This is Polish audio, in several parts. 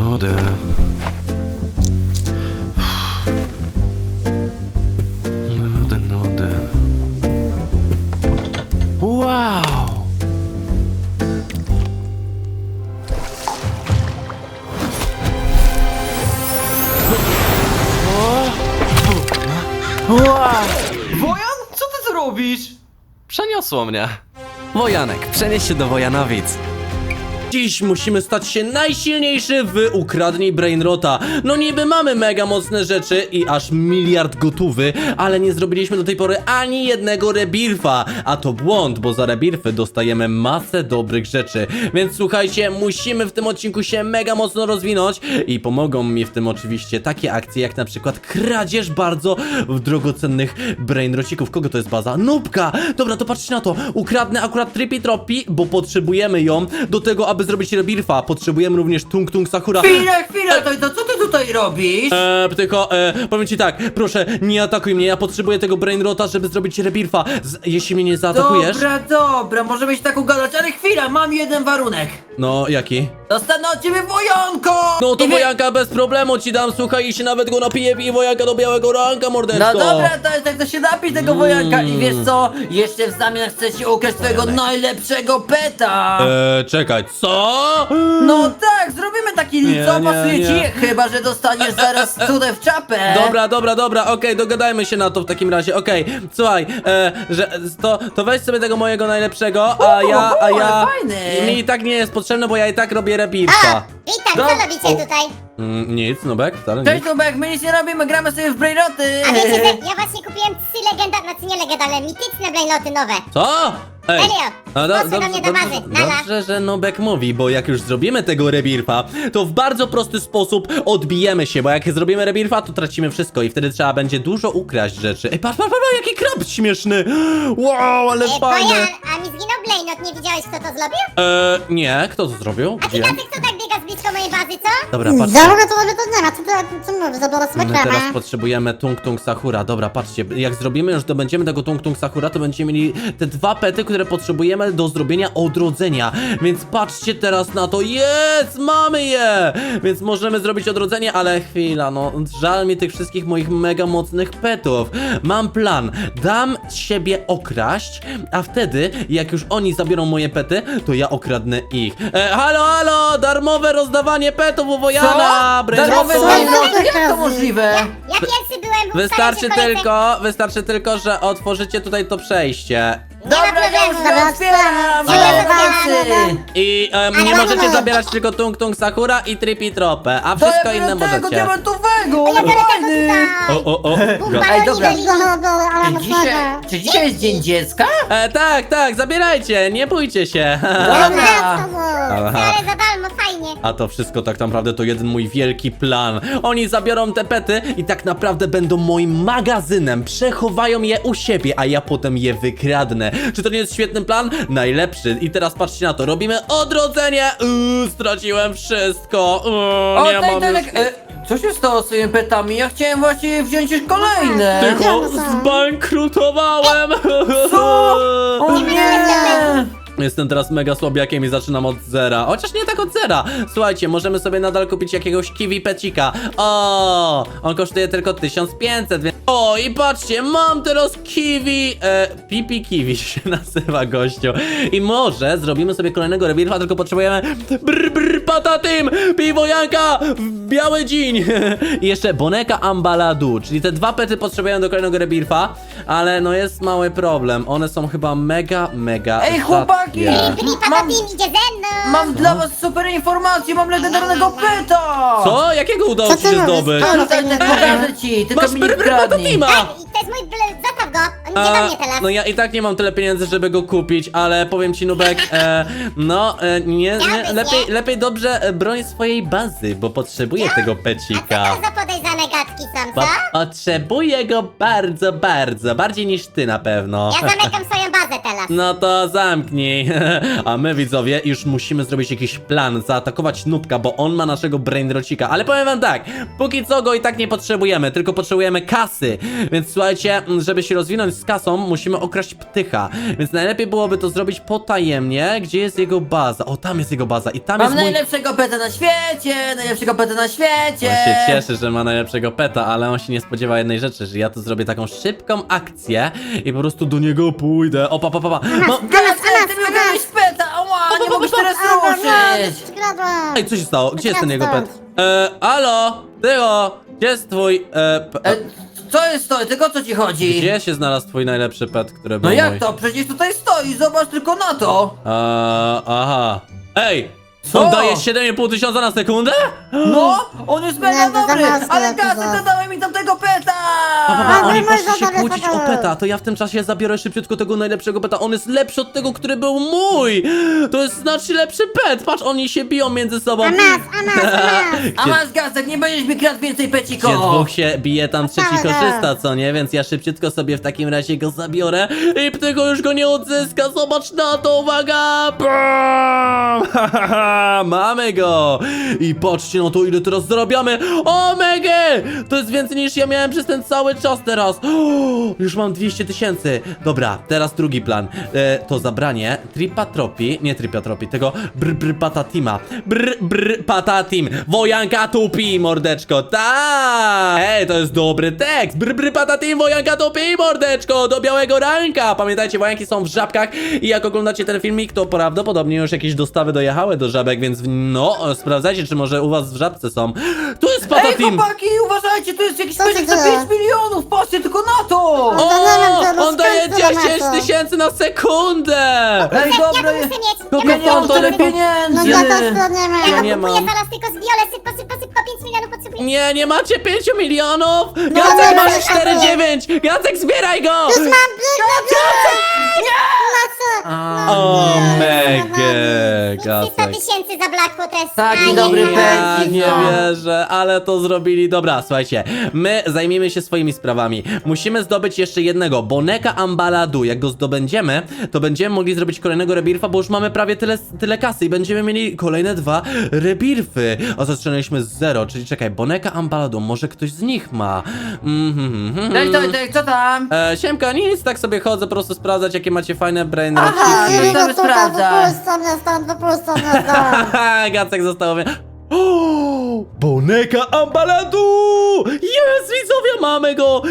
Nudy. Nudy. Wow! Wojan, co ty tu robisz? Przeniosło mnie. Wojanek, przenieś się do Wojanowic. Dziś musimy stać się najsilniejszy w Ukradnij Brainrota. No niby mamy mega mocne rzeczy i aż miliard gotówy, ale nie zrobiliśmy do tej pory ani jednego rebirfa. A to błąd, bo za rebirfy dostajemy masę dobrych rzeczy. Więc słuchajcie, musimy w tym odcinku się mega mocno rozwinąć i pomogą mi w tym oczywiście takie akcje jak na przykład kradzież bardzo drogocennych brainrocików. Kogo to jest baza? Nubka! Dobra, to patrzcie na to. Ukradnę akurat Trippy Troppy, bo potrzebujemy ją do tego, aby zrobić rebirfa. Potrzebujemy również Tung Tung Sakura. Chwila, to co ty tutaj robisz? Tylko, powiem ci tak, proszę, nie atakuj mnie, ja potrzebuję tego Brainrota, żeby zrobić rebirfa. Jeśli mnie nie zaatakujesz... Dobra, możemy się tak ugadać, ale chwila, mam jeden warunek. No, jaki? Dostanę od ciebie wojanko! No to I wojanka bez problemu ci dam, słuchaj, i się nawet go napiję i wojanka do białego ranka, mordeczko. No dobra, to się napij tego wojanka i wiesz co? Jeszcze w zamian chcę ci ukraść twojego najlepszego peta! Czekaj, co? No tak, zrobimy taki Nie, deal, co nie, pasuje nie. ci? Chyba, że dostaniesz zaraz cudę w czapę! Dobra, okej, dogadajmy się na to w takim razie, okej. Słuchaj, że to weź sobie tego mojego najlepszego, a ja... ale fajny. Mi i tak nie jest potrzebne, bo ja i tak robię rebirfa. Witam, No. co robicie tutaj? Nic, Nubek, wcale Cześć nic. Nubek, my nic nie robimy, gramy sobie w Brainroty! A wiecie, że ja właśnie kupiłem 3 legendarne, znaczy nie legendarne, mityczne brainloty nowe. Co? Ej, Serio? a Włosy do mnie do bazy, nala. dobrze, że Nubek mówi, bo jak już zrobimy tego rebirfa, to w bardzo prosty sposób odbijemy się, bo jak zrobimy rebirfa, to tracimy wszystko i wtedy trzeba będzie dużo ukraść rzeczy. Ej, patrz, jaki krab śmieszny! Wow, ale fajny! Bojan, a mi zginął brainlot, nie widziałeś kto to zrobił? Nie, kto to zrobił? A Gdzie? ty kto tak biega z blisko mojej bazy, co? Dobra, patrzcie. Dobra, to robię to nie ma, co mówisz, zabiorę sobie My teraz kremę. potrzebujemy Tung Tung Sakura. Dobra, patrzcie, jak zrobimy już, dobędziemy tego Tung Tung Sakura, to będziemy mieli te 2 pety, które potrzebujemy do zrobienia odrodzenia. Więc patrzcie teraz na to. Jest! Mamy je! Więc możemy zrobić odrodzenie, ale chwila, no żal mi tych wszystkich moich mega mocnych petów. Mam plan. Dam siebie okraść, a wtedy, jak już oni zabiorą moje pety, to ja okradnę ich. Halo! Darmowe rozdawanie petów u Wojana! Darmowe Co? Brainroty? Jak to możliwe? Ja pierwszy byłem, bo Wystarczy tylko, że otworzycie tutaj to przejście. Dobra, ja już problemu, to otwieram! dobra, Mocy! I nie możecie zabierać tylko Tung Tung Sakura i Trippy Tropę, a To wszystko ja inne biorę tego możecie. diamentowego, Ja ale biorę fajny! tego O. Ej, dobra. ale Czy dzisiaj jest dzień dziecka? Tak, zabierajcie, nie bójcie się. Dobra. Ale za darmo, fajnie. A to wszystko tak naprawdę to jeden mój wielki plan. Oni zabiorą te pety i tak naprawdę będą moim magazynem. Przechowają je u siebie, a ja potem je wykradnę. Czy to nie jest świetny plan? Najlepszy. I teraz patrzcie na to. Robimy odrodzenie. Straciłem wszystko. Nie mam już... Co się stało z tymi petami? Ja chciałem właśnie wziąć już kolejne! Tylko Ja zbankrutowałem. O nie! Jestem teraz mega słabiakiem i zaczynam od zera. Chociaż nie tak od zera. Słuchajcie, możemy sobie nadal kupić jakiegoś kiwi pecika. O, on kosztuje tylko 1500, więc... O, i patrzcie, mam teraz kiwi. Pipi kiwi się nazywa, gościu. I może zrobimy sobie kolejnego rebirfa, tylko potrzebujemy... Patatim! Piwojanka w biały dzień. I jeszcze Boneka Ambaladu, czyli te 2 pety potrzebują do kolejnego rebirfa. Ale no jest mały problem. One są chyba mega Ej, chłopaki! rzadkie. Patatim idzie ze mną. Mam dla was super informację, mam legendarnego peta! Co? Jakiego udało Co ci ty się mówisz? zdobyć? Co? Tutaj tak pokażę ci, tylko Masz mi nie kradnij! Patatima! Tak, i to jest mój zostaw go, on idzie do mnie teraz. No ja i tak nie mam tyle pieniędzy, żeby go kupić, ale powiem ci, Nubek, nie, lepiej dobrze broń swojej bazy, bo potrzebuję tego A co pecika. to za podejrzane gadki są, co? Potrzebuję go bardzo, bardziej niż ty na pewno. Ja zamykam swoją bazę teraz. No to zamknij. A my, widzowie, już musimy zrobić jakiś plan, zaatakować Nubka, bo on ma naszego brainrocika. Ale powiem wam tak, póki co go i tak nie potrzebujemy, tylko potrzebujemy kasy. Więc słuchajcie, żeby się rozwinąć z kasą, musimy okraść Ptycha. Więc najlepiej byłoby to zrobić potajemnie. Gdzie jest jego baza? O, tam jest jego baza i tam Mam jest mój... najlepszego peta na świecie, najlepszego peta na świecie. On się cieszy, że ma najlepszego peta, ale on się nie spodziewa jednej rzeczy, że ja tu zrobię taką szybką akcję i po prostu do niego pójdę. O, pa. Gazek, ty mi ukradłeś peta, ała, nie mogę się teraz ruszyć. Skradłam. Ej, co się stało? Gdzie jest ten jego pet? Alo, Tycho, gdzie jest twój... Co jest to? Tylko o co ci chodzi? Gdzie się znalazł twój najlepszy pet, który był No jak mój? to? Przecież tutaj stoi, zobacz tylko na to. Aha. Ej! Co? On daje 7,5 tysiąca na sekundę? No, on jest mega Nie, to dobry, za mocno, ale to Gazek za- zadałem mi tamtego peta. Oni nie poszli można się sobie kłócić o tego. peta, to ja w tym czasie zabiorę szybciutko tego najlepszego peta. On jest lepszy od tego, który był mój! To jest znacznie lepszy pet! Patrz, oni się biją między sobą. A nas. A Gdzie- masz Gazek, nie będziesz mi kradł więcej Gdzie peciko. dwóch się bije, tam trzeci Tak, korzysta, co nie? Więc ja szybciutko sobie w takim razie go zabiorę i Ptycho już go nie odzyska. Zobacz na to, uwaga! Bam! Mamy go! I patrzcie na to, ile teraz zarabiamy! O, mega! To jest więcej niż ja miałem przez ten cały czas teraz. Już mam 200 tysięcy. Dobra, teraz drugi plan. To zabranie Tripatropii, tego Patatima. Patatim. Wojanka tupi, mordeczko. Tak! Ej, to jest dobry tekst. Patatim, wojanka tupi, mordeczko. Do białego ranka. Pamiętajcie, wojanki są w żabkach i jak oglądacie ten filmik, to prawdopodobnie już jakieś dostawy dojechały do żabek, więc no, sprawdzajcie, czy może u was w żabce są. Tu jest Ej, Patatim. chłopaki, uważajcie, tu jest jakiś Co się pecik za dzieje? 5 milionów, patrzcie tylko na to. O, on daje 10 tysięcy na sekundę. Ej, Ja dobra, to muszę mieć. Kogo ja nie mam to tyle lepiej? No pieniędzy. ja to skradniemy. Ja nie kupuję mam. zaraz tylko z biole, szybko, 5 milionów potrzebuję. Nie nie macie 5 milionów? nie, Gacek, nie, masz nie, 4,9! Gacek, zbieraj go! Już mam O, No mega, 300 Gacek. tysięcy za Blackwo też. Taki A, dobry nie. Ja pecik, nie no. wierzę, ale to zrobili. Dobra, słuchajcie, my zajmiemy się swoimi sprawami. Musimy zdobyć jeszcze jednego, Boneka Ambaladu. Jak go zdobędziemy, to będziemy mogli zrobić kolejnego rebirfa, bo już mamy prawie tyle kasy i będziemy mieli kolejne 2 rebirfy. A zaczynaliśmy z 0, czyli czekaj, Boneka Ambaladu, może ktoś z nich ma. Cześć, Tojtek, co tam? Siemka, nic, tak sobie chodzę, po prostu sprawdzać, jakie macie fajne brain Aha, rotiki. no to sprawdza. Wypuszczam mnie stąd. Gacek został mnie. O, Boneka Ambaladu! Jest, widzowie, mamy go!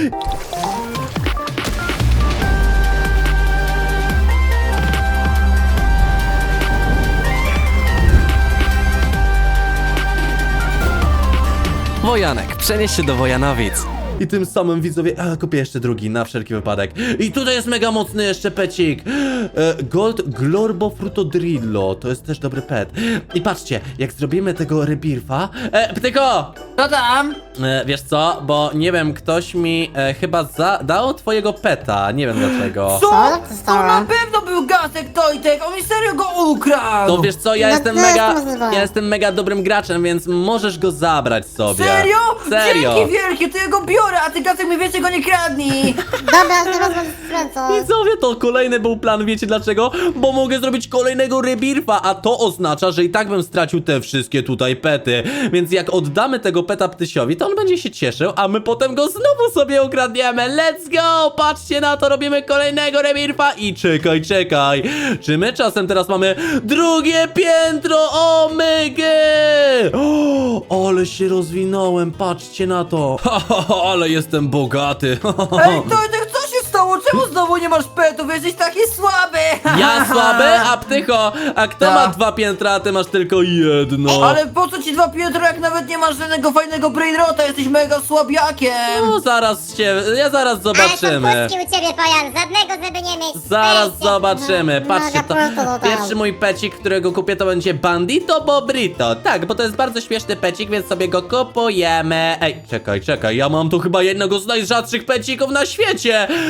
Wojanek, przenieś się do Wojanowic. I tym samym widzowie, kupię jeszcze drugi na wszelki wypadek. I tutaj jest mega mocny jeszcze pecik. Gold Glorbo Frutodrillo, to jest też dobry pet. I patrzcie, jak zrobimy tego rebirfa. Ptyko! Co tam? Wiesz co, bo nie wiem, ktoś mi chyba dał twojego peta, nie wiem dlaczego. Co? Co się stało? To na pewno był Gazek, Tojtek, on mi serio go ukradł. To wiesz co, ja No jestem to jest mega, możliwe. ja jestem mega dobrym graczem, więc możesz go zabrać sobie. Serio? Serio. Dzięki wielkie, to ja go biorę, a ty Gazek mi więcej go nie kradnij. Dobra, teraz będę skręcał. Widzowie, to kolejny był plan, wiecie dlaczego? Bo mogę zrobić kolejnego rebirfa, a to oznacza, że i tak bym stracił te wszystkie tutaj pety. Więc jak oddamy tego peta Ptysiowi, to on będzie się cieszył, a my potem go znowu sobie ukradniemy. Let's go! Patrzcie na to, robimy kolejnego rebirfa i czekaj. Czy my czasem teraz mamy drugie piętro? O mega! O, ale się rozwinąłem, patrzcie na to. Ale jestem bogaty. Ej, Tojtek, co się stało? Czemu znowu nie masz petów? Jesteś taki słaby. Ja słaby? A Ptycho, a kto Tak. ma 2 piętra, a ty masz tylko jedno? Ale po co ci 2 piętra, jak nawet nie masz żadnego fajnego brainrota? Jesteś mega słabiakiem. No zaraz Ale zobaczymy. są puszki u ciebie, Pojan, żadnego żeby nie mieć. Zaraz Weźcie. zobaczymy. No, Patrzcie, to prosto do tam. pierwszy mój pecik, którego kupię, to będzie Bandito Bobrito. Tak, bo to jest bardzo śmieszny pecik, więc sobie go kupujemy. Ej, czekaj, ja mam tu chyba jednego z najrzadszych pecików na świecie. Czy to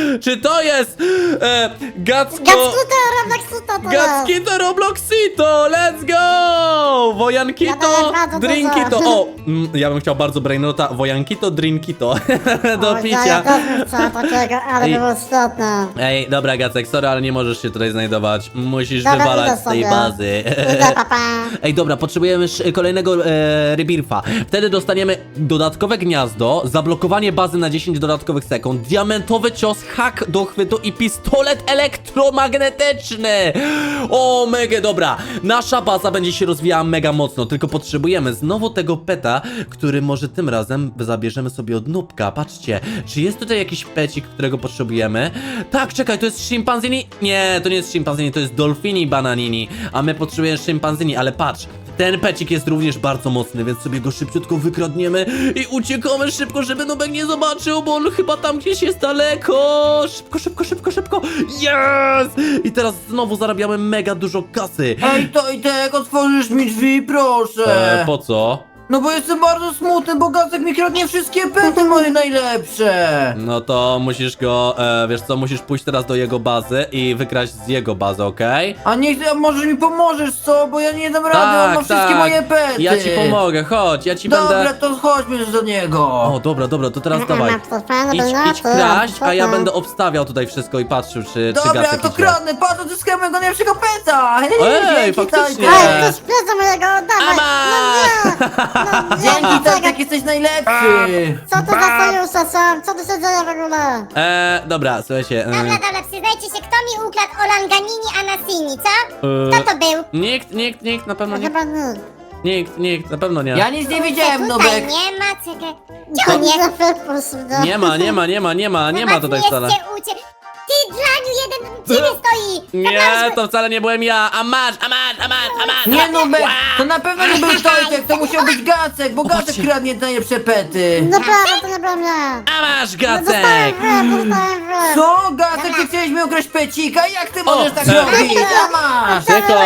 to jest Gacko... Gackuto, Robloxuto to jest. Gackito Robloxito, let's go! Wojankito, Ja bardzo dużo. drinkito. O, ja bym chciał bardzo brainrota. Wojankito, drinkito. Do picia. Ja też bym chciał takiego, ale Ej. by było świetne. Ej, dobra Gacek, sorry, ale nie możesz się tutaj znajdować. Musisz Dobra, wywalać idę z tej sobie. bazy. Idę, papa. Ej, dobra, potrzebujemy kolejnego rebirfa. Wtedy dostaniemy dodatkowe gniazdo, zablokowanie bazy na 10 dodatkowych sekund, diamentowy cios, hak do chwytu i pistolet elektromagnetyczny. O, mega dobra. Nasza baza będzie się rozwijała mega mocno, tylko potrzebujemy znowu tego peta, który może tym razem zabierzemy sobie od Nubka. Patrzcie, czy jest tutaj jakiś pecik, którego potrzebujemy? Tak, czekaj, to jest szympanzini? Nie, to nie jest szympanzini, to jest dolfini bananini, a my potrzebujemy szympanzini, ale patrz. Ten pecik jest również bardzo mocny, więc sobie go szybciutko wykradniemy i uciekamy szybko, żeby Nubek nie zobaczył, bo on chyba tam gdzieś jest daleko. Szybko, szybko, szybko, szybko. Yes! I teraz znowu zarabiamy mega dużo kasy. Ej, Tojtek, otworzysz mi drzwi, proszę. Po co? No bo jestem bardzo smutny, bo Gacek mi kradnie wszystkie pety moje najlepsze. No to musisz go, wiesz co, musisz pójść teraz do jego bazy i wykraść z jego bazy, okej? A niech, a może mi pomożesz, co? Bo ja nie dam rady, on ma wszystkie moje pety. Ja ci pomogę, chodź, ja ci Dobra, będę... to chodźmy do niego. O, dobra, dobra, to teraz dawaj. Mam to fajne Idź brainoty, kraść, a ja super. będę obstawiał tutaj wszystko i patrzył, czy Dobra, Gacek to idzie. kradnę, patrz, odzyskałem mojego najlepszego peta. Ej, Dzięki, faktycznie. Tojtek. Ej, ktoś pieza mojego, oddawaj! No nie! Dzięki, czekaj. Tojtek, jesteś najlepszy. Co to za sojusze są? Co tu się dzieje w ogóle? Dobra, słuchajcie. Dobra, przyznajcie się, kto mi ukradł Olanganini Anasini, co? Kto to był? Nikt, na pewno nie. Chyba nikt. Nikt, na pewno nie. Ja nic nie widziałem, Tutaj Nubek. nie ma, czekaj. Gdzie on jest? Nie ma tutaj wcale. Ty, Draniu, jeden u ciebie stoi! Nie, to wcale nie byłem ja. A masz. Nie, Nubek, to na pewno nie był Tojtek, to musiał być Gacek, bo Gacek Popatrzcie. kradnie najlepsze pety. Naprawdę, to nie byłem ja! A masz, Dostałem Gacek. dostałem w Co? Gacek, ty chciałeś mi ukraść pecika? Jak ty możesz tak e. robić? A masz.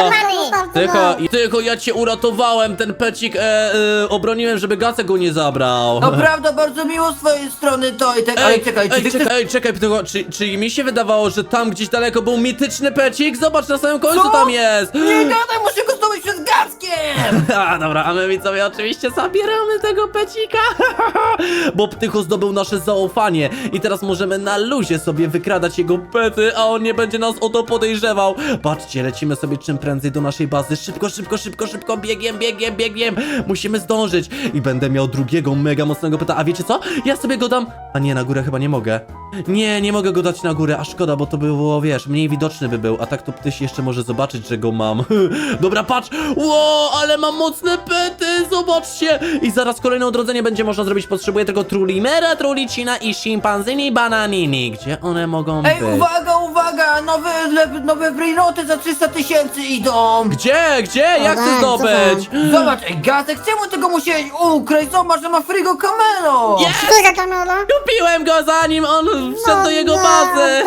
Tylko ja cię uratowałem, ten pecik obroniłem, żeby Gacek go nie zabrał. To prawda, bardzo miło z twojej strony, Tojtek, ale czekaj, czy ty chcesz... czekaj, tylko, czy mi się wydawało, że tam gdzieś daleko był mityczny pecik? Zobacz, na samym końcu Co? tam jest! Nie gadaj, muszę go zdobyć przed Gackiem! A, dobra, a my widzowie oczywiście zabieramy tego pecika, bo Ptycho zdobył nasze zaufanie i teraz możemy na luzie sobie wykradać jego pety, a on nie będzie nas o to podejrzewał. Patrzcie, lecimy sobie czym prędzej do naszej bazy, szybko, biegiem, musimy zdążyć i będę miał drugiego mega mocnego peta, a wiecie co? Ja sobie go dam, a nie, na górę chyba nie mogę. Nie mogę go dać na górę, a szkoda, bo to by było, wiesz, mniej widoczny by był, a tak to Ptyś jeszcze może zobaczyć, że go mam. Dobra, patrz, ło, ale mam mocne pety, zobaczcie. I zaraz kolejne odrodzenie będzie można zrobić, potrzebuję tylko Trulimera, Trulicina i Szimpanzini Bananini. Gdzie one mogą Ej, być? uwaga, nowe brainoty za 300 000 idą! Gdzie? Jak chcę tak, zdobyć? Zobacz, ej, Gacek, czemu tego musiałeś ukraść? Zobacz, że ma frigo Camelo! Jest! Czekaj, Kamila! Kupiłem go zanim on wszedł do jego bazy.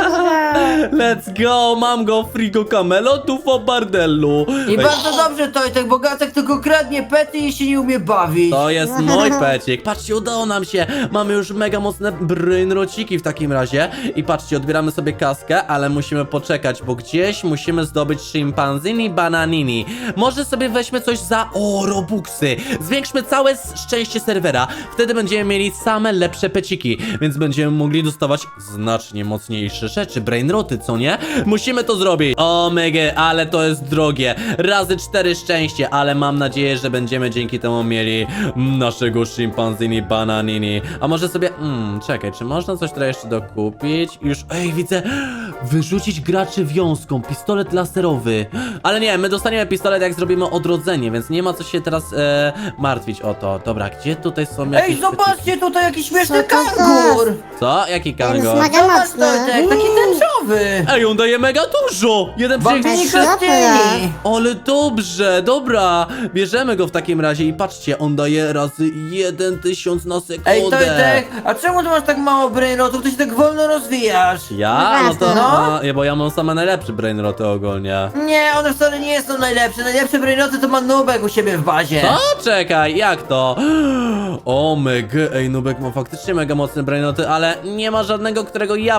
Let's go, mam go Frigo Camelo tu w bardellu. I bardzo dobrze, Tojtek, bo Gacek tylko kradnie pety i się nie umie bawić. To jest mój pecik. Patrzcie, udało nam się. Mamy już mega mocne brainrociki w takim razie. I patrzcie, odbieramy sobie kaskę, ale musimy poczekać, bo gdzieś musimy zdobyć szympanzini bananini. Może sobie weźmy coś za... O, robuxy. Zwiększmy całe szczęście serwera. Wtedy będziemy mieli same lepsze peciki, więc będziemy mogli dostawać znacznie mocniejsze rzeczy. Brainroty, co nie? Musimy to zrobić. O, mega, ale to jest drogie. Razy 4 szczęście, ale mam nadzieję, że będziemy dzięki temu mieli naszego szympanzini bananini. A może sobie... czekaj, czy można coś tutaj jeszcze dokupić? Już, ej, widzę... Wyrzucić graczy wiązką, pistolet laserowy. Ale nie, my dostaniemy pistolet, jak zrobimy odrodzenie, więc nie ma co się teraz martwić o to. Dobra, gdzie tutaj są jakieś... Ej, zobaczcie, tutaj jakiś śmieszny Co to kangur! Co? Jaki kango? Jest mega Zobacz, mocny. Tojtek, taki tęczowy! Ej, on daje mega dużo! Jeden Bambini przecinek... Krystyni! Ale dobrze, dobra. Bierzemy go w takim razie i patrzcie, on daje razy 1000 na sekundę. Ej, Tojtek, a czemu ty masz tak mało brainrotów? Ty się tak wolno rozwijasz? Ja? No to... No. bo ja mam same najlepsze brainroty ogólnie. Nie, one wcale nie są najlepsze. Najlepsze brainoty to ma Nubek u siebie w bazie. Co? Czekaj, jak to? O mega, ej, Nubek ma faktycznie mega mocne brainoty, ale nie ma żadnego, którego ja potrzebuję.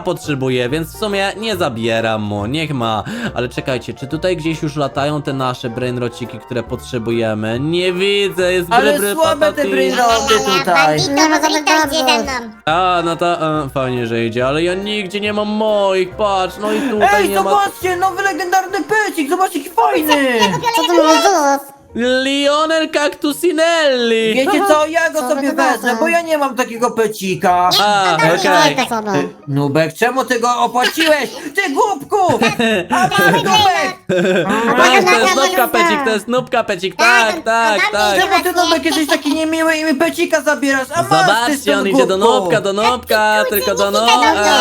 potrzebuje, więc w sumie nie zabieram mu, niech ma. Ale czekajcie, czy tutaj gdzieś już latają te nasze brainrociki, które potrzebujemy? Nie widzę, jest Ale bry słabe te patati. brainroty tutaj. Bandito, może idzie ze mną. A, no to fajnie, że idzie, ale ja nigdzie nie mam moich, patrz, no i tutaj Ej, nie ma... zobaczcie, nowy legendarny pecik, zobaczcie jaki fajny. Co to mówisz? Lionel Cactusinelli! Wiecie co, ja go Co sobie wy gadacie? wezmę, bo ja nie mam takiego pecika. A, okej. Nubek, czemu ty go opłaciłeś? Ty głupku! A masz Nubek! Tak, to jest nubka pecik, to jest nubka pecik, tak, tak, tak. Czemu ty Nubek jesteś taki niemiły i mi pecika zabierasz? A masz ty Zobaczcie, stąd, on idzie do głupku. nubka, tylko do Dobra,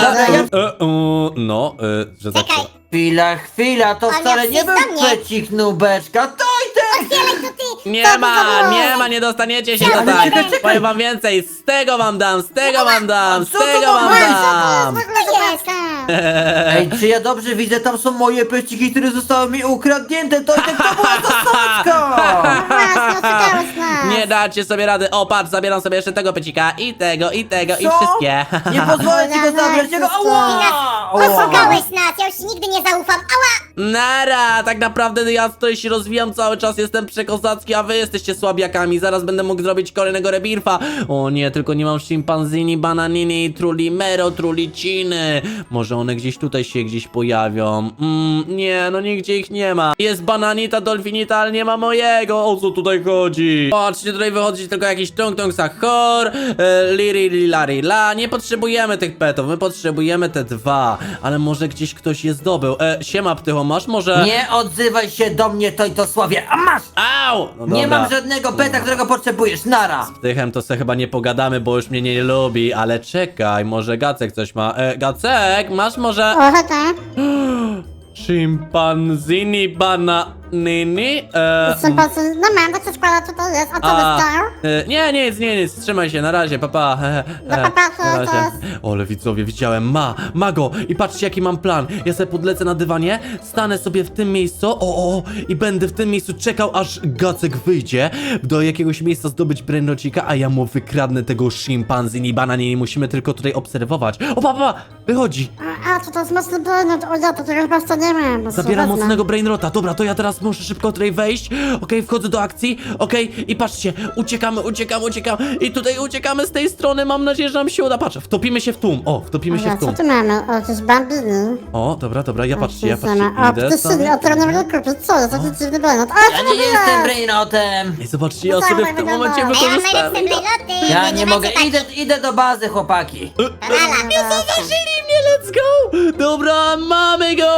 że tak. Czekaj, Chwila, to On wcale jak nie był przyjść do mnie. pecik Nubeczka, to i ten! otwieraj to ty! Nie Co to ma, za było? nie ma, nie dostaniecie się Ale tutaj. czekaj. Powiem wam więcej, z tego wam dam, z tego wam dam, z Co to tego ma wam być? dam. Co to jest? Ej, czy ja dobrze widzę, tam są moje peciki, które zostały mi ukradnięte, to i tak to była zasadzka! Właśnie, oszukałeś nas. Nie dacie sobie rady. O, patrz, zabieram sobie jeszcze tego pecika i tego, i Co? wszystkie. Nie pozwolę ci go zabrać, jego... Ała! Oszukałeś nas, ja już nigdy nie zaufam. Ała! Nara, tak naprawdę ja tutaj się rozwijam cały czas, jestem przekozacki, a wy jesteście słabiakami. Zaraz będę mógł zrobić kolejnego rebirfa. O nie, tylko nie mam szympanzini, bananini, trulimero, truliciny. Może one gdzieś tutaj się gdzieś pojawią. Nie, no nigdzie ich nie ma. Jest bananita, dolfinita, ale nie ma mojego. O co tutaj chodzi? Patrzcie, tutaj wychodzi tylko jakiś tung sachor, liri lilari la. Nie potrzebujemy tych petów, my potrzebujemy te dwa. Ale może gdzieś ktoś je zdobył. Siema, Ptycho, masz może... Nie odzywaj się do mnie, to sławie, a masz! Au! No Nie dobra. mam żadnego peta, którego potrzebujesz, nara! Z Ptychem to se chyba nie pogadamy, bo już mnie nie lubi, ale czekaj, może Gacek coś ma. Gacek, masz może... Ochota? Szympanzini bananini? No mam, tak się składa, co to jest? A co to jest? Nic, trzymaj się, na razie, papa. No, papa, to na razie. jest. Ole, widzowie, widziałem, ma go i patrzcie jaki mam plan. Ja sobie podlecę na dywanie, stanę sobie w tym miejscu, i będę w tym miejscu czekał, aż Gacek wyjdzie do jakiegoś miejsca zdobyć brainrocika, a ja mu wykradnę tego szympanzini bananini. Musimy tylko tutaj obserwować. O, papa, wychodzi. A, co to jest mocny brainrot? O ja, to tego chyba jeszcze nie mam. Zabieram mocnego brainrota. Dobra, to ja teraz muszę szybko tutaj wejść. Okej, wchodzę do akcji. Okej, i patrzcie, uciekamy. I tutaj uciekamy z tej strony. Mam nadzieję, że nam się uda. Patrz, wtopimy się w tłum. Wtopimy się w Co tłum. tu mamy? O, jakieś bambiny. O, dobra, ja patrzcie. O, ptysyny, o, które nie mogę kupić. Co jest? Taki dziwny brainrot. O, Ja co nie to jestem jest? brainotem! Ej, zobaczcie, ja sobie w tym momencie A ja mam wykorzystałem. najlepsze brainroty. Ja wy nie macie mogę, takich. idę do bazy, chłopaki! Zauważyli mnie, let's go! Dobra, mamy go!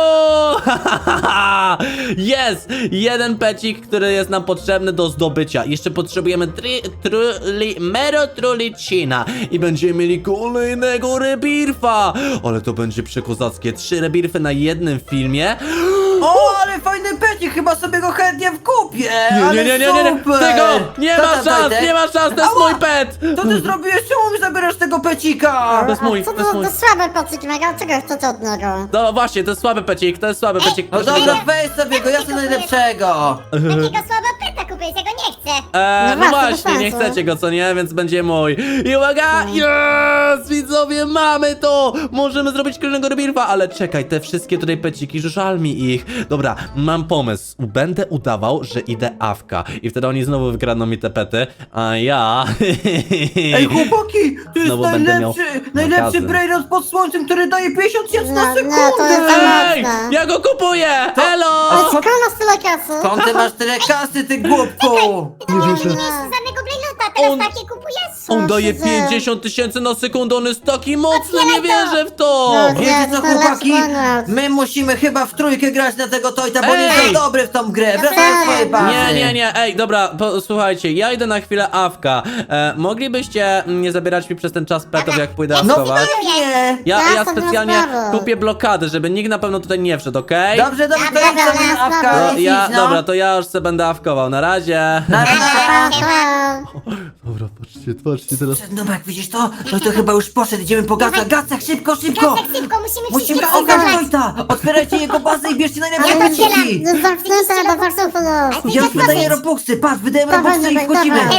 Jest! Jeden pecik, który jest nam potrzebny do zdobycia. Jeszcze potrzebujemy mero trulicina i będziemy mieli kolejnego rebirfa. Ale to będzie przekozackie. 3 rebirfy na jednym filmie. O, ale fajny pecik, chyba sobie go chętnie wkupię! Nie, tego! Nie ma szans, to jest mój pet! Co ty zrobiłeś? Czemu mi zabierasz tego pecika? To jest mój, Co to jest to mój. za słabe pociki mega? Czego chcecie od niego? No właśnie, to jest słaby pecik, No Proszę dobra, go- weź sobie go, ja chcę najlepszego! Takiego słaba peta kupiłeś, ja go nie chcę. No No właśnie, właśnie, nie bez sensu. chcecie go, co nie? Więc będzie mój. I uwaga! Yes! Widzowie, mamy to! Możemy zrobić kolejnego rebirfa, ale czekaj, te wszystkie tutaj peciki, żal mi ich. Dobra, mam pomysł. Będę udawał, że idę awka. I wtedy oni znowu wykradną mi te pety, a ja... Ej, chłopaki, to jest Znowu będę miał najlepszy magazyn. brainrot pod słońcem, który daje 50 tysięcy na No, to sekundę! jest za Ej! mocne. Ja go kupuję! Elo! A Skąd masz tyle kasy? Skąd ty masz tyle kasy, ty głupku? Nie Nie wierzę. mieliśmy żadnego brainrota, teraz On- takie kupujesz? On daje Co się dzieje? 50 tysięcy na sekundę, on jest taki mocny, nie Otwieraj to! wierzę w to! No, Wiecie co, to lepszy chłopaki? brainrot. My musimy chyba w trójkę grać na tego Tojta, bo on jest Ej! za dobry w tą grę. Wracaj tak. do swojej bazy. Nie, ej, dobra, słuchajcie, ja idę na chwilę awka. Moglibyście nie zabierać mi przez ten czas petów, jak pójdę No awkować? pewnie! Ja Jasne, specjalnie nie ma sprawy. kupię blokady, żeby nikt na pewno tutaj nie wszedł, okej? Dobrze, to Dobra, idź sobie dobra, na awka, dobra. idź, no. Dobra, to ja już se będę awkował, na razie. Na Dobra, patrzcie teraz. Nubek, widzisz to? To chyba już poszedł, idziemy po Gaca. Gacek, szybko! Gacek, szybko, musimy Musimy wszystkie ograć zabrać. Tojta! Otwierajcie jego bazę i bierzcie najlepsze Ja to peciki! otwieram. Jest zamknięte, do zakrzywu jest. Ja już wydaję robuxy, patrz, wydajemy Dawaj, robuxy i Nubek, wchodzimy! dawaj.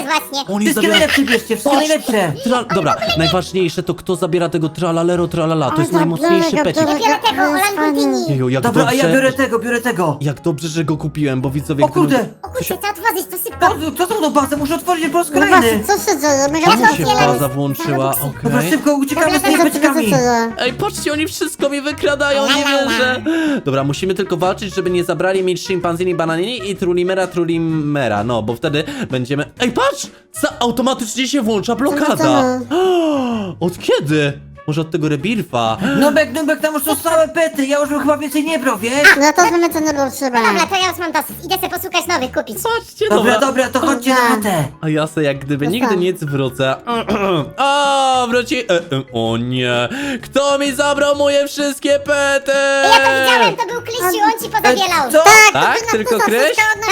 właśnie. Oni Wszystkie najlepsze bierzcie, wszystkie najlepsze. Dobra, najważniejsze to kto zabiera tego tralalero tralala, to jest najmocniejszy pecik. Ja biorę tego Olangutini. Jeju, jak Dobra, a ja dobrze, biorę tego. jak dobrze, że go kupiłem, bo widzowie... O kurde, O kurczę, trzeba otworzyć to szybko. kto są tą bazę? Muszę otworzyć po raz No właśnie, kolejny. co się dzieje? Mega Czemu się otwieram baza włączyła? Dobra, Okej. szybko uciekamy z tymi Co się beczkami. dzieje? Ej, patrzcie, oni wszystko mi wykradają, nie wierzę. Dobra, musimy tylko walczyć, żeby nie zabrali mi szympanzini, bananini i trulimera, no, bo wtedy będziemy... Ej, patrz! Automatycznie się włącza blokada. Od kiedy? Może od tego rebirfa? Nubek, tam już są same pety, ja już bym chyba więcej nie brał, wiesz? No ja też bym cię nie był trzeba. Dobra, to ja już mam dosyć. Idę sobie posłuchać nowych, kupić. Patrzcie, Dobra, to chodźcie na chatę. A ja se jak gdyby No nigdy tak. nic wrócę. O, wróci... O nie! Kto mi zabrał moje wszystkie pety? Ja to widziałem, to był Kryściu, on ci pozabielał. Co? Tak? Tylko Kryś?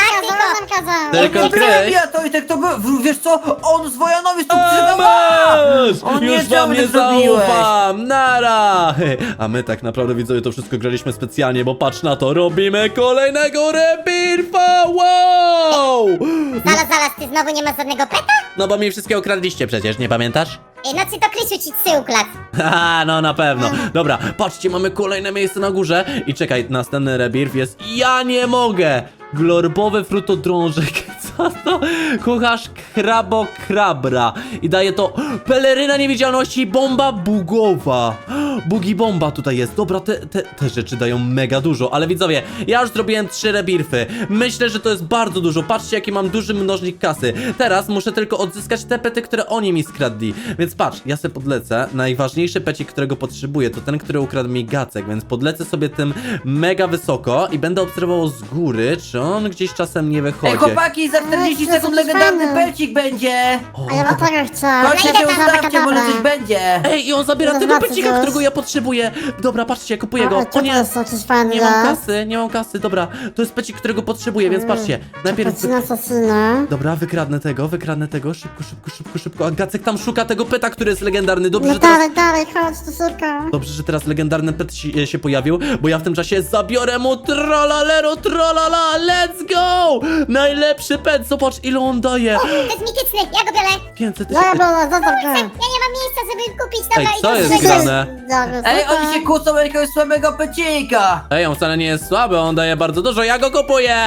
Tylko Nie Kryś? ja to i tak to był, wiesz co? On z Wojanowi tu Masz! O nie, Już czemu wam nie tak zrobiłeś? zaufam! Nara! A my tak naprawdę, widzowie, to wszystko graliśmy specjalnie, bo patrz na to, robimy kolejnego rebirfa! Wow! Zaraz, ty znowu nie masz żadnego peta? No bo mi wszystkie okradliście przecież, nie pamiętasz? No czy to Kryściu ci psy ukradł? Haha, no na pewno. Dobra, patrzcie, mamy kolejne miejsce na górze. I czekaj, następny rebirth jest... Ja nie mogę! Glorbowy frutodrążek. Co to? Kucharz krabra. I daje to peleryna niewidzialności i bomba bugowa. Bugi bomba tutaj jest. Dobra, te rzeczy dają mega dużo. Ale widzowie, ja już zrobiłem 3 rebirfy. Myślę, że to jest bardzo dużo. Patrzcie, jaki mam duży mnożnik kasy. Teraz muszę tylko odzyskać te pety, które oni mi skradli. Więc patrz, ja sobie podlecę. Najważniejszy pecik, którego potrzebuję, to ten, który ukradł mi Gacek. Więc podlecę sobie tym mega wysoko i będę obserwował z góry, czy on gdzieś czasem nie wychodzi. Ej, chłopaki, za 40 to sekund coś legendarny fajne. pecik będzie. O, A ja bym tego chciał. Chodźcie idę się tam, ustawcie, może dobra. coś będzie. Ej, i on zabiera No tego zobaczę pecika, coś. którego ja potrzebuję. Dobra, patrzcie, kupuję go. A, O co to nie, jest jakiś fajny nie mam kasy, dobra. To jest pecik, którego potrzebuję, więc patrzcie. Najpierw... Pacina asasyna. Dobra, wykradnę tego. Szybko. A Gacek tam szuka tego peta, który jest legendarny. Dobrze, No że teraz... dalej, chodź tu szybko. Dobrze, że teraz legendarny pet się pojawił, bo ja w tym czasie zabiorę mu tralalero, tralala, let's go! Najlepszy pet, zobacz ile on daje. To jest mityczny, ja go biorę. 500 Dobra, tysięcy. zostaw go. Ja nie mam miejsca, żeby kupić, dobra, Ej, co idę jest trzeci. grane? Dobra, Ej, super. oni się kłócą o jakiegoś słabego pecika. Ej, on wcale nie jest słaby, on daje bardzo dużo, ja go kupuję!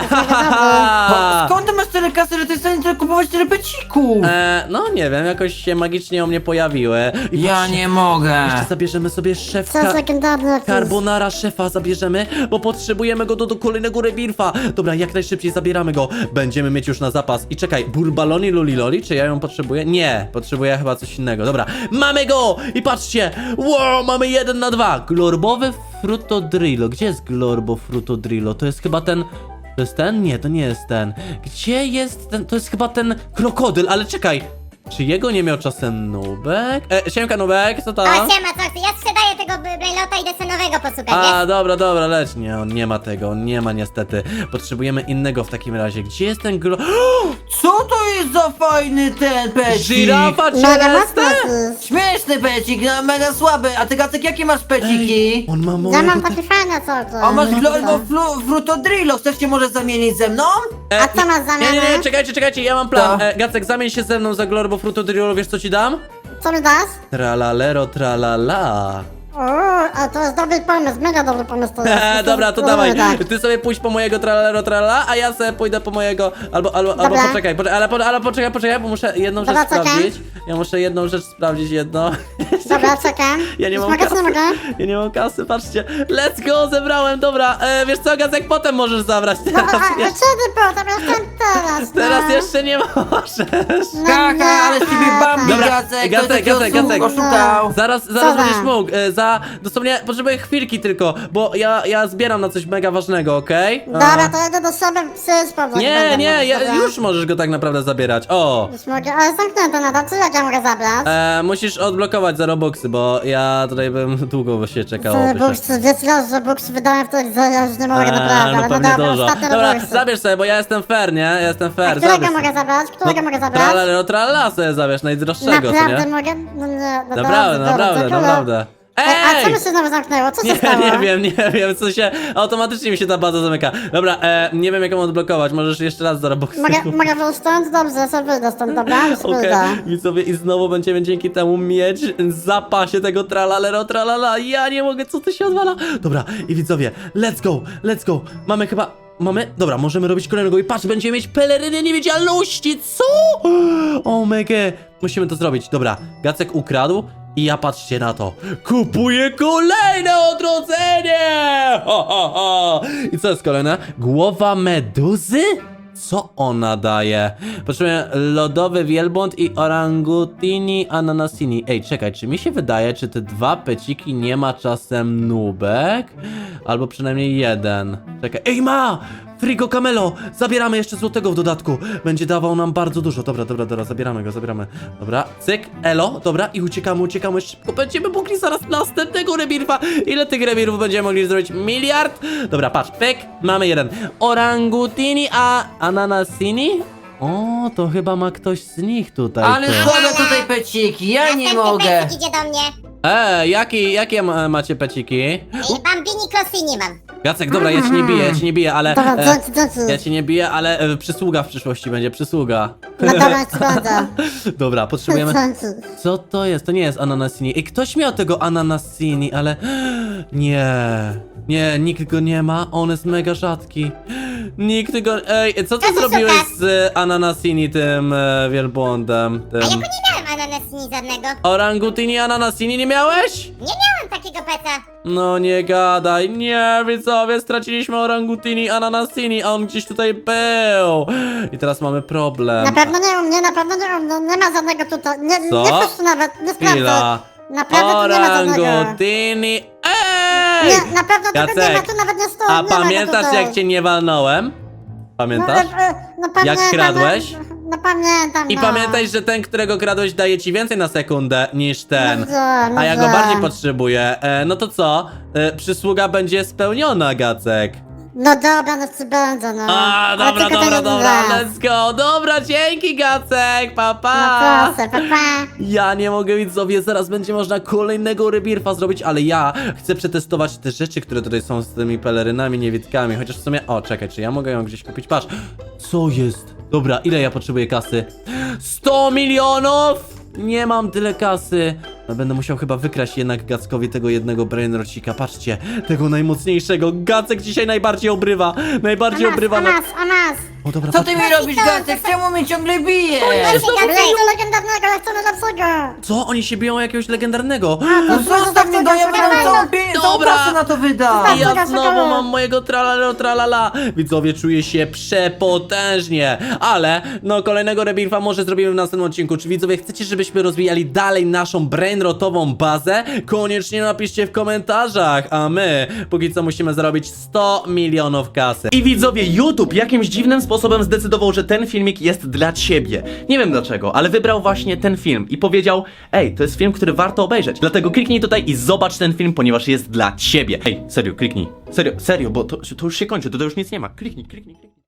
Skąd ty masz tyle kasy, że ty jesteś w stanie kupować tyle pecików? No nie wiem, jakoś się magicznie u mnie pojawiły. I Ja patrzcie, nie mogę. jeszcze zabierzemy sobie Co jest szefka. legendarny jakiś? Carbonara szefa zabierzemy, bo potrzebujemy go do kolejnego rebirfa. Dobra, jak najszybciej zabieramy go. Będziemy mieć już na zapas. I czekaj, burbaloni luliloli, czy ja ją potrzebuję? Nie, potrzebuję chyba coś innego. Dobra, mamy go! I patrzcie, wow, mamy 1 na 2. Glorbowy frutodrillo. Gdzie jest glorbo frutodrillo? To jest chyba ten... To jest ten? Nie, to nie jest ten. Gdzie jest ten? To jest chyba ten krokodyl, ale czekaj. Czy jego nie miał czasem Nubek? Siemka Nubek, co tam? O, siema, co chcesz? Ja sprzedaję tego Brainlota i idę sobie nowego posłuchać, wiesz? A, dobra, leć. Nie, on nie ma tego, on nie ma niestety. Potrzebujemy innego w takim razie. Gdzie jest ten Co to jest za fajny ten pecik? Żyrafa Mega mocno Celeste? jakiś. Śmieszny pecik, no, mega słaby. A ty, Gacek, jakie masz peciki? On ma Ja mojego... mam taki fajny co to. A masz Glorbo Frutodrillo, chcesz się może zamienić ze mną? A co masz za Nie, mnie? czekajcie, ja mam plan. Co? Gacek, zamień się ze mną za Glorbo Frutodrillo, wiesz co ci dam? Co mi dasz? Tralalero, tralala. O, a to jest dobry pomysł, mega dobry pomysł to jest. Dobra, to Spróbujmy dawaj. tak. Ty sobie pójdź po mojego tralero, tralala, a ja sobie pójdę po mojego... Albo Dobra. poczekaj, ale poczekaj, bo muszę jedną Dobra, rzecz czekam. sprawdzić. Ja muszę jedną rzecz sprawdzić, jedno. Dobra, czekam. Ja nie Już mam mogę, czy kasy. nie mogę? Ja nie mam kasy, patrzcie. Let's go, zebrałem, dobra. Wiesz co, Gacek, potem możesz zabrać. No, Teraz, a jeszcze, kiedy potem? Jestem teraz, no. teraz jeszcze nie możesz. No, Kaka, ale z ciebie Bambi, Dobra, Gacek, Gacek, to jest Gacek. oszukał. Zaraz za? będziesz mógł. Dosłownie potrzebuję chwilki tylko, bo ja zbieram na coś mega ważnego, okej? Dobra, to jedę do siebie przyjść powrót. Nie, już możesz go tak naprawdę zabierać. O! Już mogę, ale zamknięte nadal, czy jak ja mogę zabrać? Musisz odblokować za Robuxy, bo ja tutaj bym długo się czekał. Buksy, wiesz raz, że buksy wydałem wtedy, że ja już nie mogę naprawdę, no ale no pewnie dobra, dużo. ostatnie Dobra, buksy. zabierz sobie, bo ja jestem fair, nie? Ja jestem A fair. którego zabierz mogę sobie. zabrać? Którego mogę zabrać? Tralala sobie zabierz, najdroższego, co Naprawdę nie? mogę? No nie, no Naprawdę, dobrze, naprawdę, dziękuję. naprawdę. A co Ej! mi się znowu zamknęło? Co się Nie, stało? nie wiem, co się... Automatycznie mi się ta baza zamyka. Dobra, nie wiem jak ją odblokować, możesz jeszcze raz do Robuxu. Mogę wyjść stąd? Dobrze, sobie wyjdę stąd, dobra? Już Okej, wyjdę. widzowie, i znowu będziemy dzięki temu mieć w zapasie tego tralalero tralala. Ja nie mogę, co to się odwala? Dobra, i widzowie, let's go. Mamy chyba... Dobra, możemy robić kolejnego i patrz, będziemy mieć pelerynę niewidzialności, co? O mega, musimy to zrobić. Dobra, Gacek ukradł i ja patrzcie na to. Kupuję kolejne odrodzenie! I co jest kolejne? Głowa meduzy? Co ona daje? Potrzebuję lodowy wielbłąd i orangutini ananasini. Ej, czekaj, czy mi się wydaje, czy te dwa peciki nie ma czasem nubek? Albo przynajmniej jeden. Czekaj, ej ma! Frigo Camelo! Zabieramy jeszcze złotego w dodatku. Będzie dawał nam bardzo dużo. Dobra, zabieramy go. Dobra, cyk, elo, dobra i uciekamy szybko. Będziemy mogli zaraz następnego rebirfa. Ile tych rebirfów będziemy mogli zrobić? 1 miliard? Dobra, patrz, pyk, mamy jeden. Orangutini a ananasini? O, to chyba ma ktoś z nich tutaj. Ale ty. słabe tutaj peciki, ja nie Następny mogę. pecik idzie do mnie. Jakie macie peciki? Bambini Klosini mam. Jacek, dobra, ja ci nie biję, ale... Dobra, dzięki. Ja ci nie biję, ale przysługa w przyszłości będzie, przysługa. No dobra, ci będę. Dobra, potrzebujemy... Dzięki. Co to jest? To nie jest ananasini. I ktoś miał tego ananasini, ale... Nie, nikt go nie ma. On jest mega rzadki. Nikt go... Ej, co ty Co ty zrobiłeś szukasz? z ananasini, tym wielbłądem? A ja Tym... go nie miałem ananasini żadnego. Orangutini ananasini nie miałeś? Nie miałem takiego peca. No nie gadaj, nie, widzowie, straciliśmy orangutini ananasini, a on gdzieś tutaj był. I teraz mamy problem. Na pewno nie u mnie, na pewno nie u mnie. Nie ma żadnego tutaj. Nie, Co? nie chodź tu nawet, nie sprawdzę. Chwila. Naprawdę tu nie ma żadnego. Orangutini, ej! Nie, na pewno tego nie ma, Jacek, tu nawet nie stoi. a nie ma go pamiętasz tutaj. jak cię nie walnąłem? Pamiętasz? No pamiętam, kradłeś? No pamiętam, I no. pamiętaj, że ten, którego kradłeś, daje ci więcej na sekundę niż ten. No A ja go wiem. bardziej potrzebuję. No to co? Przysługa będzie spełniona, Gacek. No dobra, no ci będzie, no. A, Ale dobra, tylko ten dobra, raz. let's go. Dobra, dzięki, Gacek, pa, No pa. proszę, pa. Ja nie mogę, widzowie, zaraz będzie można kolejnego rebirfa zrobić, ale ja chcę przetestować te rzeczy, które tutaj są z tymi pelerynami, niewidkami, chociaż w sumie... O, czekaj, czy ja mogę ją gdzieś kupić? Patrz, co jest? Dobra, ile ja potrzebuję kasy? 100 milionów! Nie mam tyle kasy. No, będę musiał chyba wykraść jednak Gackowi tego jednego brainrocika. Patrzcie, tego najmocniejszego. Gacek dzisiaj najbardziej obrywa. Najbardziej obrywa. A nas. O, dobra, Co patrz. ty mi robisz, Gacek? Czemu mnie ciągle bijesz? Ale co legendarnego, ja chcę najlepszego. Co? Oni się biją o jakiegoś legendarnego. No zostaw mnie, bo ja wydam całą Dobra. kasę na to wydam. I ja Czekaj, znowu czekaj. mam mojego tralala. Widzowie, czuję się przepotężnie. Ale, no, kolejnego rebirfa może zrobimy w następnym odcinku. Czy widzowie chcecie, żebyśmy rozwijali dalej naszą brainrotową bazę? Koniecznie napiszcie w komentarzach. A my, póki co musimy zarobić 100 milionów kasy. I widzowie, YouTube jakimś dziwnym sposobem zdecydował, że ten filmik jest dla ciebie. Nie wiem dlaczego, ale wybrał właśnie ten film i powiedział: ej, to jest film, który warto obejrzeć. Dlatego kliknij tutaj i zobacz ten film, ponieważ jest dla ciebie. Ej, serio, kliknij. Serio, bo to już się kończy, to już nic nie ma. Kliknij.